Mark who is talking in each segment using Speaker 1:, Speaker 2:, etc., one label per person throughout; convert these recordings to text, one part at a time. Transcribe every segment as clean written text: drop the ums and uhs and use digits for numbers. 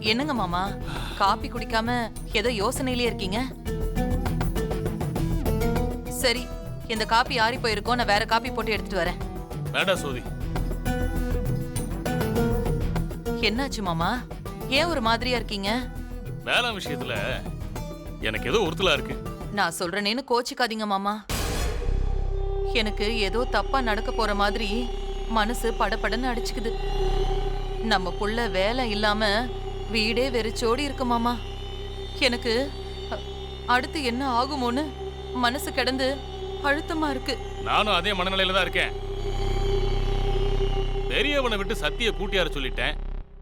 Speaker 1: என்னங்க மாமா, காபி குடிக்காம ஏதோ யோசனையிலே இருக்கீங்க? சரி, இந்த காபி ஆறி போயிருக்கோம். நான் வேற காபி போட்டு எடுத்துட்டு வரேன்.
Speaker 2: வேண்டாம் சோதி.
Speaker 1: என்னாச்சு மாமா? ஏன் ஒரு மாதிரியா இருக்கீங்க?
Speaker 2: வேலை விஷயத்துல எனக்கு ஏதோ உறுத்தலா இருக்கு.
Speaker 1: நான் சொல்றேனேன்னு கோச்சிக்காதீங்க மாமா. எனக்கு ஏதோ தப்பா நடக்க போற மாதிரி மனசு படபடன்னு அடிச்சுக்குது. நம்ம புள்ள வேலை இல்லாம வீடே வெறிச்சோடி இருக்கு மாமா. எனக்கு அடுத்து என்ன ஆகுமோன்னு மனசு கிடந்து அழுத்தமா இருக்கு.
Speaker 2: நானும் அதே மனநிலையில தான் இருக்கேன். பெரியவனை விட்டு சத்திய கூட்டியார சொல்லிட்டேன்.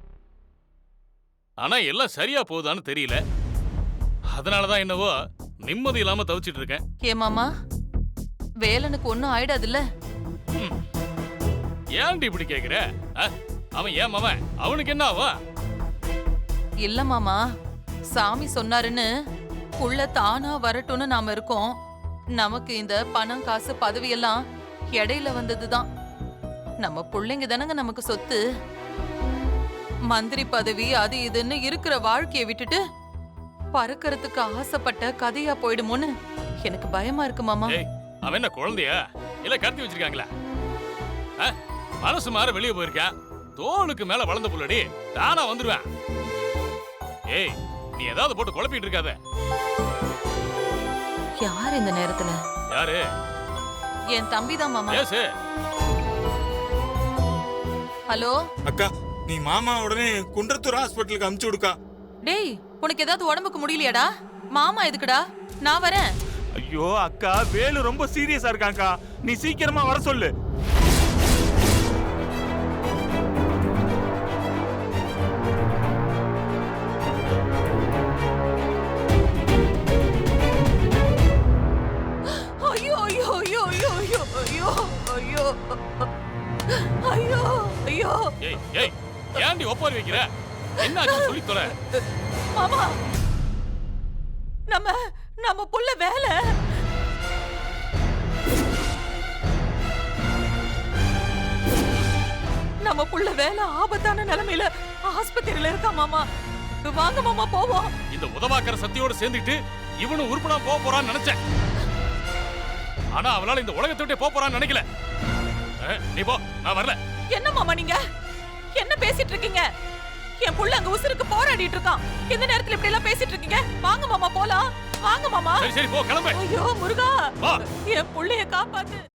Speaker 2: ஆனா எல்லாம் சரியா போகுதான்னு தெரியல. அதனாலதான் என்னவோ நிம்மதி இல்லாம தவிச்சிட்டு இருக்கேன்.
Speaker 1: ஏ மாமா, வேலனுக்கு ஒன்னும் ஆயிடாதுல்ல?
Speaker 2: ஏன்டி இப்படி கேக்குற? அவன் ஏன் மாமன், அவனுக்கு என்ன ஆவா?
Speaker 1: இல்ல மாமா, சாமி சொன்னாருன்னு புள்ள தானா வரட்டும்னு நாம இருக்கோம். நமக்கு இந்த பணம் காசு பதவி எல்லாம் இடையில வந்ததுதான். நம்ம பிள்ளைங்க தானங்க நமக்கு சொத்து. மந்திரி பதவி அது இதுன்னு இருக்கிற வாழ்க்கையை விட்டுட்டு பறக்கிறதுக்கு ஆசைப்பட்ட கதையா போயிடுமோன்னு எனக்கு பயமா இருக்கு மாமா.
Speaker 2: அவன் என்ன குழந்தையா இல்ல கடத்தி வச்சிருக்காங்களா? மனசு மாற வெளியே போயிருக்கான். தோளுக்கு மேல வளர்ந்த புள்ளடி தானா வந்துருவேன். ஏய், நீ ஏதாவது போட்டு குழப்பிட்டு இருக்காத.
Speaker 1: யார் இந்த நேரத்துல?
Speaker 2: யாரு?
Speaker 1: என் தம்பிதான் மாமா. ஹலோ
Speaker 3: அக்கா, நீ மாமா உடனே குன்றத்தூர் ஹாஸ்பிட்டலுக்கு அனுப்பிச்சு விடுக்கா.
Speaker 1: டேய், உனக்கு ஏதாவது உடம்புக்கு முடியலையாடா? மாமா எதுக்குடா? நான் வரேன்.
Speaker 4: ஐயோ அக்கா, வேலு ரொம்ப சீரியஸா இருக்காங்கக்கா. நீ சீக்கிரமா வர சொல்லு.
Speaker 1: ஐயோ ஐயோ ஐயோ ஐயோ ஐயோ ஐயோ ஐயோ ஐயோ.
Speaker 2: ஏய் ஏய், ஏன்டி ஒப்பாரி வைக்கிற? என்னாச்சு சொல்லி தொலை.
Speaker 1: மாமா, நம்ம புள்ள வேலை. நம்ம புள்ள வேலை ஆபத்தான நிலைமையில ஆஸ்பத்திரியில இருக்கா மாமா. வாங்க மாமா போவோம்.
Speaker 2: இந்த உதவாக்கற சத்தியோட சேர்ந்துட்டு இவனும் உருப்படா போக போறான்னு நினைச்சேன். ஆனா அவளால இந்த உலகத்தை விட்டே போக போறான்னு நினைக்கல. நீ போ, நான் வரல.
Speaker 1: என்ன மாமா நீங்க என்ன பேசிட்டு இருக்கீங்க? என் புள்ள அங்க உசுருக்கு போராடிட்டு இருக்கான். இந்த நேரத்துல இப்படி எல்லாம் பேசிட்டு இருக்கீங்க? வாங்க மாமா போலாம். வாங்க மாமா.
Speaker 2: சரி சரி போ, கிளம்பு.
Speaker 1: ஐயோ முருகா, என் புள்ளைய காப்பாத்து.